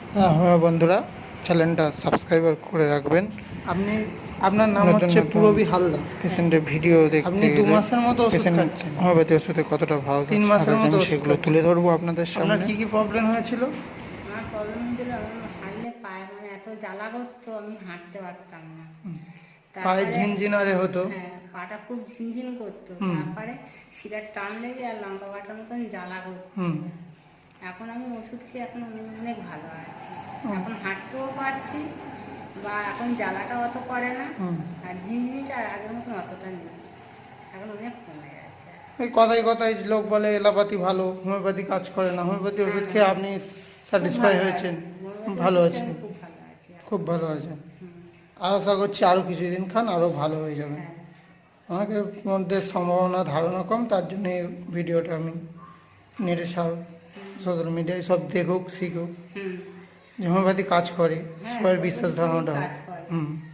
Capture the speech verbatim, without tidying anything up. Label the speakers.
Speaker 1: হ্যাঁ হ্যাঁ বন্ধুরা, চ্যানেলটা সাবস্ক্রাইব করে রাখবেন।
Speaker 2: আপনি আপনার নাম
Speaker 1: নতুন
Speaker 2: হচ্ছে
Speaker 1: নতুন
Speaker 2: পূরবী হালদার।
Speaker 1: পেশেন্টের ভিডিও দেখতে
Speaker 2: আপনি দু
Speaker 1: গেলে
Speaker 2: মাসের মতো ওষুধ
Speaker 1: পেশেন্ট
Speaker 2: খাচ্ছেন,
Speaker 1: হোমিওপ্যাথি ওষুধে কতটা ভালো
Speaker 2: তিন মাসের
Speaker 1: থাকেন
Speaker 2: মতো ওষুধ
Speaker 1: সেগুলো
Speaker 2: খাচ্ছেন।
Speaker 1: তুলে ধরবো আপনাদের
Speaker 2: আপনার
Speaker 1: সামনে।
Speaker 2: কি কি প্রবলেম হয়েছিল?
Speaker 3: আমার প্রবলেম হয়েছিল, আমি হাঁটলে পায়ে মানে এত জ্বালা করতো, আমি হাঁটতে পারতাম না।
Speaker 2: পায়ে
Speaker 3: তারপরে
Speaker 2: ঝিনঝিনারে হতো।
Speaker 3: হ্যাঁ, পাটা খুব ঝিনঝিন করতো।
Speaker 2: হুম।
Speaker 3: তারপরে শিরার টান লেগে আর লঙ্কা বাটার মতন জ্বালা করতো।
Speaker 2: হুম।
Speaker 3: এখন আমি ওষুধ খেয়ে এখন অনেক ভালো আছি। এখন হাঁটতেও পারছি, বা এখন জ্বালাটা অত করে না,
Speaker 2: হুম।
Speaker 3: আর ঝিনঝিনিটা আর আগের মতন অতটা নেই, এখন অনেক কমে গেছে।
Speaker 2: ওই কথায় কথায় লোক বলে এলোপ্যাথি ভালো, হোমিওপ্যাথি কাজ করে না। হোমিওপ্যাথি ওষুধ খেয়ে আপনি স্যাটিসফাই হয়েছেন, ভালো আছেন,
Speaker 3: খুব ভালো আছি এখন।
Speaker 2: খুব ভালো আছেন।
Speaker 3: হুম।
Speaker 2: আর আশা করছি আরও কিছুদিন খান, আরও ভালো হয়ে যাবেন।
Speaker 3: হ্যাঁ।
Speaker 2: আমাদের মধ্যে সম্ভাবনা ধারণা কম, তার জন্য এই ভিডিওটা আমি নেটে সব সোশ্যাল মিডিয়ায় সব দেখুক শিখুক
Speaker 3: হুম।
Speaker 2: যে হোমিওপ্যাথি কাজ করে,
Speaker 3: হ্যাঁ,
Speaker 2: সবার বিশ্বাস ধারণাটা হোক।
Speaker 3: কাজ করে।
Speaker 2: হুম।